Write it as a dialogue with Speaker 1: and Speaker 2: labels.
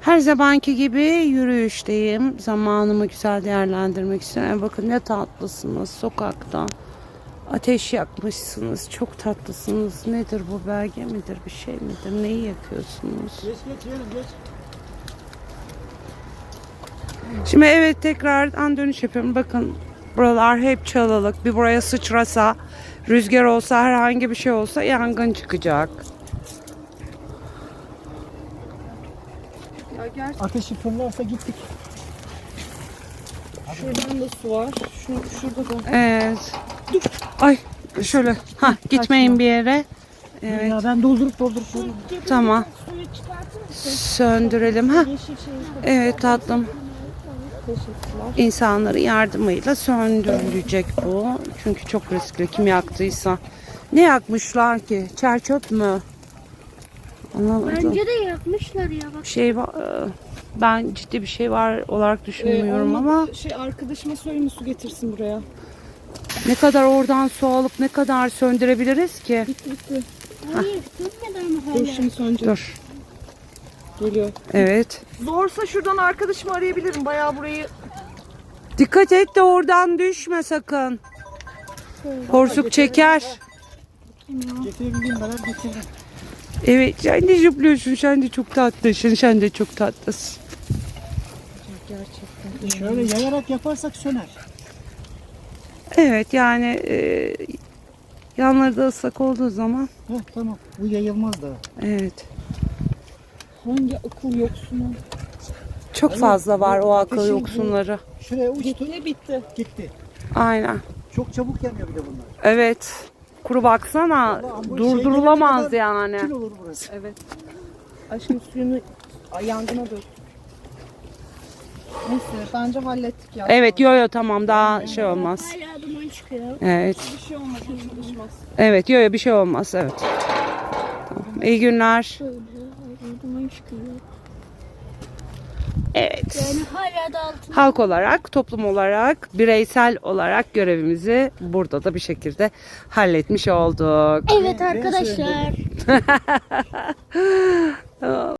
Speaker 1: Her zamanki gibi yürüyüşteyim. Zamanımı güzel değerlendirmek istiyorum. Bakın ne tatlısınız sokakta. Ateş yakmışsınız. Çok tatlısınız. Nedir bu, belge midir, bir şey midir? Neyi yakıyorsunuz?
Speaker 2: Geç yeğenim geç.
Speaker 1: Şimdi evet, tekrardan dönüş yapıyorum. Bakın buralar hep çalılık. Bir buraya sıçrasa, rüzgar olsa, herhangi bir şey olsa yangın çıkacak.
Speaker 2: Ateşi fırlarsa gittik.
Speaker 3: Şuradan da su var. Şurada da.
Speaker 1: Evet. Ay şöyle. Ha, gitmeyin bir yere. Evet.
Speaker 2: Ya ben doldurup
Speaker 1: Tamam. Söndürelim. Ha. Evet tatlım. İnsanların yardımıyla söndürülecek bu. Çünkü çok riskli. Kim yaktıysa. Ne yakmışlar ki? Çer çöp mü? Anlamadım.
Speaker 4: Bence de yakmışlar ya bak.
Speaker 1: Bir şey var. Ben ciddi bir şey var olarak düşünmüyorum ama
Speaker 3: Arkadaşıma söyleyeyim su getirsin buraya.
Speaker 1: ne kadar oradan su alıp ne kadar söndürebiliriz ki?
Speaker 3: Bitti.
Speaker 4: Hayır sönmeden mi
Speaker 3: Dur
Speaker 4: hala?
Speaker 3: şimdi sönecek.
Speaker 1: Dur.
Speaker 3: Geliyor.
Speaker 1: Evet.
Speaker 3: Zorsa şuradan arkadaşımı arayabilirim. Bayağı burayı
Speaker 1: Dikkat et de oradan düşme sakın. Porsuk çeker.
Speaker 2: Getirebildiğim kadar getirdim.
Speaker 1: Evet, sen de zıplıyorsun. Sen de çok tatlısın. Sen de çok tatlısın.
Speaker 3: gerçekten.
Speaker 2: Şöyle yayarak yaparsak söner.
Speaker 1: Evet yani yanları da ıslak olduğu zaman.
Speaker 2: Heh, tamam. Bu yayılmaz da.
Speaker 1: Evet.
Speaker 3: Hangi akıl yoksunu?
Speaker 1: Çok fazla var o akıl
Speaker 2: ateşin bu-
Speaker 1: yoksunları.
Speaker 2: Şuraya uçtu.
Speaker 3: Bitti.
Speaker 2: Gitti.
Speaker 1: Aynen.
Speaker 2: Çok çabuk yanıyor bir de bunlar.
Speaker 1: Evet. Kuru baksana.
Speaker 2: Vallahi ambul
Speaker 1: Durdurulamaz
Speaker 2: şey gelene
Speaker 1: yani.
Speaker 2: Kül olur burası.
Speaker 3: Evet. Aşkım suyunu yangına dök. Neyse bence hallettik ya.
Speaker 1: Evet, yo tamam, daha şey olmaz.
Speaker 4: Hala duman çıkıyor.
Speaker 1: Evet.
Speaker 3: Bir şey olmaz. Çalışmaz.
Speaker 1: Evet, yo bir şey olmaz. Evet. Tamam. İyi günler.
Speaker 4: Şöyle hala duman çıkıyor.
Speaker 1: Evet.
Speaker 4: Yani hala da altın.
Speaker 1: Halk olarak, toplum olarak, bireysel olarak görevimizi burada da bir şekilde halletmiş olduk.
Speaker 4: Evet arkadaşlar.